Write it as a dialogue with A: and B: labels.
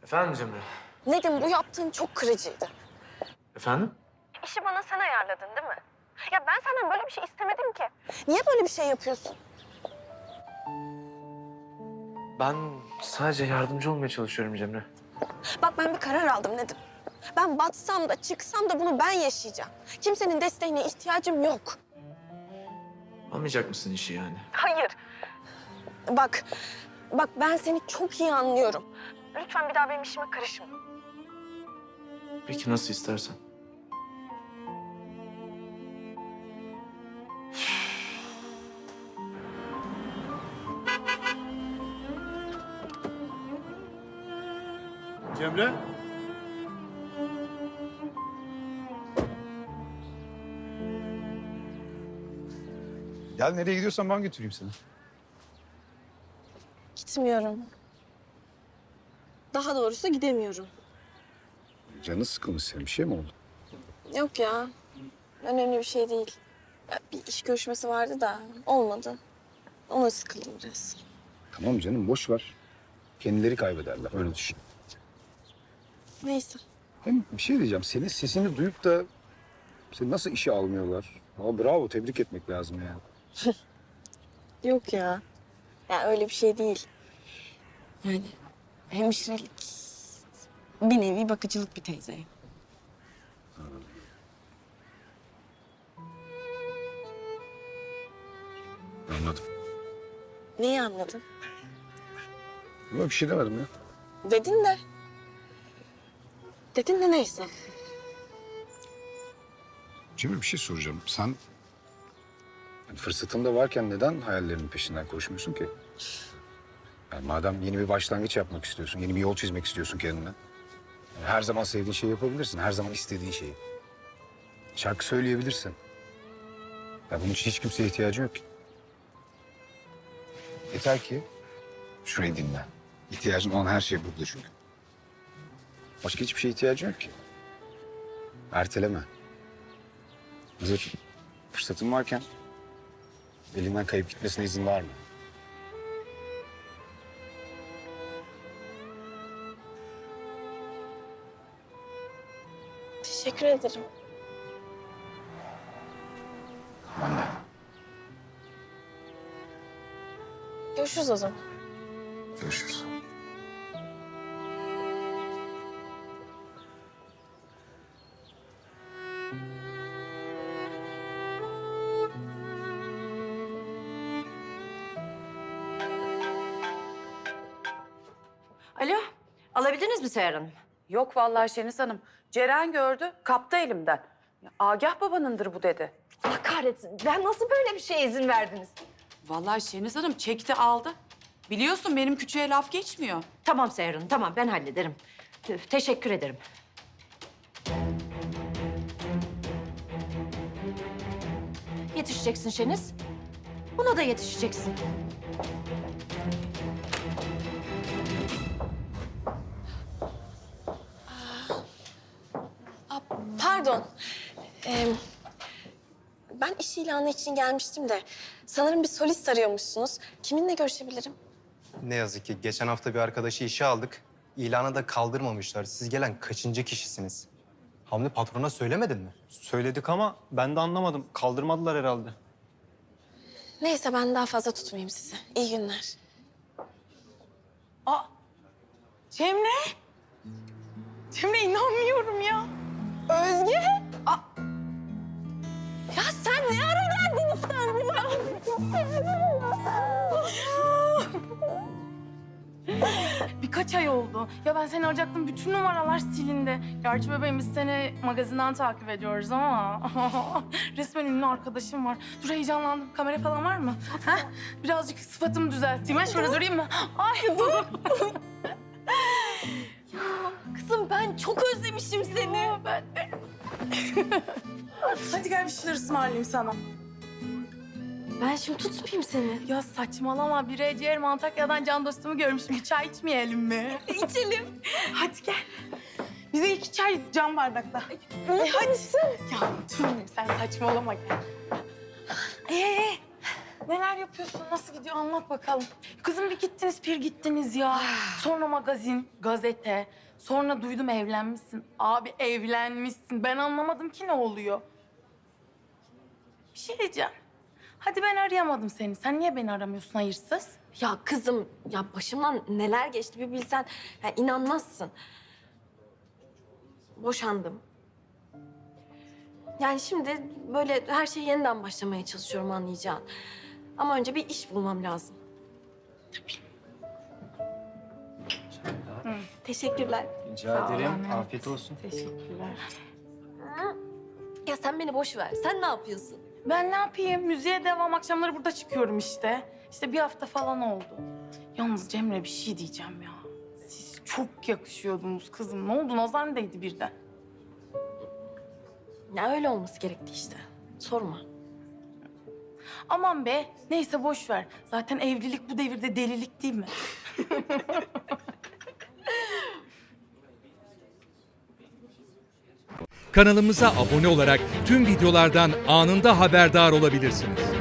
A: Efendim Cemre?
B: Nedim, bu yaptığın çok kırıcıydı.
A: Efendim?
B: İşi bana sen ayarladın değil mi? Ya ben senden böyle bir şey istemedim ki. Niye böyle bir şey yapıyorsun?
A: Ben sadece yardımcı olmaya çalışıyorum Cemre.
B: Bak, ben bir karar aldım Nedim. Ben batsam da çıksam da bunu ben yaşayacağım. Kimsenin desteğine ihtiyacım yok.
A: Almayacak mısın işi yani?
B: Hayır. Bak ben seni çok iyi anlıyorum. Lütfen bir daha benim işime karışma.
A: Peki nasıl istersen.
C: Cemre? Gel nereye gidiyorsan ben götüreyim seni.
B: Gitmiyorum. Daha doğrusu gidemiyorum.
C: Canı sıkılmış senin. Bir şey mi oldu?
B: Yok ya. Önemli bir şey değil. Ya, bir iş görüşmesi vardı da olmadı. Ona sıkıldım biraz.
C: Tamam canım boş ver. Kendileri kaybederler. Öyle düşün.
B: Neyse.
C: Hem bir şey diyeceğim. Senin sesini duyup da seni nasıl işe almıyorlar? Aa, bravo. Tebrik etmek lazım yani.
B: Yok ya. Ya öyle bir şey değil. Yani hemşirelik, bir nevi bakıcılık bir teyze.
C: Anladım.
B: Neyi anladın?
C: Ama bir şey demedim ya.
B: Dedin de. Dedin de neyse.
C: Cemre bir şey soracağım. Sen yani fırsatın da varken neden hayallerinin peşinden koşmuyorsun ki? Yani madem yeni bir başlangıç yapmak istiyorsun, yeni bir yol çizmek istiyorsun kendine. Yani her zaman sevdiğin şeyi yapabilirsin, her zaman istediğin şeyi. Şarkı söyleyebilirsin. Ya bunun için hiç kimseye ihtiyacın yok ki. Yeter ki şurayı dinle. İhtiyacın olan her şey burada çünkü. Başka hiçbir şeye ihtiyacın yok ki. Erteleme. Hazır fırsatın varken elinden kayıp gitmesine izin var mı?
B: Teşekkür ederim.
C: Ben de.
B: Görüşürüz o zaman.
C: Görüşürüz.
D: Alo, alabildiniz mi Seher Hanım?
E: Yok vallahi Şeniz Hanım. Ceren gördü, kaptı elimden. Ya, Agah babanındır bu dedi.
D: Allah kahretsin, ben nasıl böyle bir şeye izin verdiniz?
E: Vallahi Şeniz Hanım çekti aldı. Biliyorsun benim küçüğe laf geçmiyor.
D: Tamam Seher Hanım, tamam ben hallederim. Teşekkür ederim. Yetişeceksin Şeniz. Buna da yetişeceksin.
B: Pardon. Ben iş ilanı için gelmiştim de sanırım bir solist arıyormuşsunuz. Kiminle görüşebilirim?
F: Ne yazık ki geçen hafta bir arkadaşı işe aldık. İlanı da kaldırmamışlar. Siz gelen kaçıncı kişisiniz? Hamdi patrona söylemedin mi?
G: Söyledik ama ben de anlamadım. Kaldırmadılar herhalde.
B: Neyse, ben daha fazla tutmayayım sizi. İyi günler.
H: Cemre? Cemre inanmıyorum ya.
B: Özge? Ya sen ne ara geldin İstanbul'a?
H: Birkaç ay oldu. Ya ben seni arayacaktım. Bütün numaralar silindi. Gerçi bebeğim biz seni magazinden takip ediyoruz ama... resmen ünlü arkadaşım var. Dur heyecanlandım. Kamera falan var mı? Ha? Birazcık sıfatımı düzelteyim. Ha? Şöyle durayım mı? Ay dur.
B: Kızım, ben çok özlemişim seni.
H: Ben de. Hadi gel bir şeyler ısmarlayayım sana.
B: Ben şimdi tutmayayım seni.
H: Ya saçmalama. Bir ciğer Antakya'dan can dostumu görmüşüm. Bir çay içmeyelim mi?
B: İçelim.
H: Hadi gel. Bize 2 çay cam bardakta. Hadi. Ya dur sen saçmalama gel. Neler yapıyorsun? Nasıl gidiyor? Anlat bakalım. Kızım bir gittiniz, bir gittiniz ya. Sonra magazin, gazete. Sonra duydum evlenmişsin. Abi evlenmişsin. Ben anlamadım ki ne oluyor. Bir şey diyeceğim. Hadi ben arayamadım seni. Sen niye beni aramıyorsun hayırsız?
B: Ya kızım, ya başımdan neler geçti bir bilsen. Ya inanmazsın. Boşandım. Yani şimdi böyle her şeyi yeniden başlamaya çalışıyorum anlayacağın. Ama önce bir iş bulmam lazım. Teşekkürler.
G: Rica
H: Sağ ol
G: ederim.
H: anne.
G: Afiyet olsun.
H: Teşekkürler.
B: Ya sen beni boş ver. Sen ne yapıyorsun?
H: Ben ne yapayım? Müziğe devam. Akşamları burada çıkıyorum işte. İşte bir hafta falan oldu. Yalnız Cemre bir şey diyeceğim ya. Siz çok yakışıyordunuz kızım. Ne oldu? Nazar mı değdi birden?
B: Ya öyle olması gerekti işte. Sorma.
H: Aman be. Neyse boş ver. Zaten evlilik bu devirde delilik değil mi?
I: Kanalımıza abone olarak tüm videolardan anında haberdar olabilirsiniz.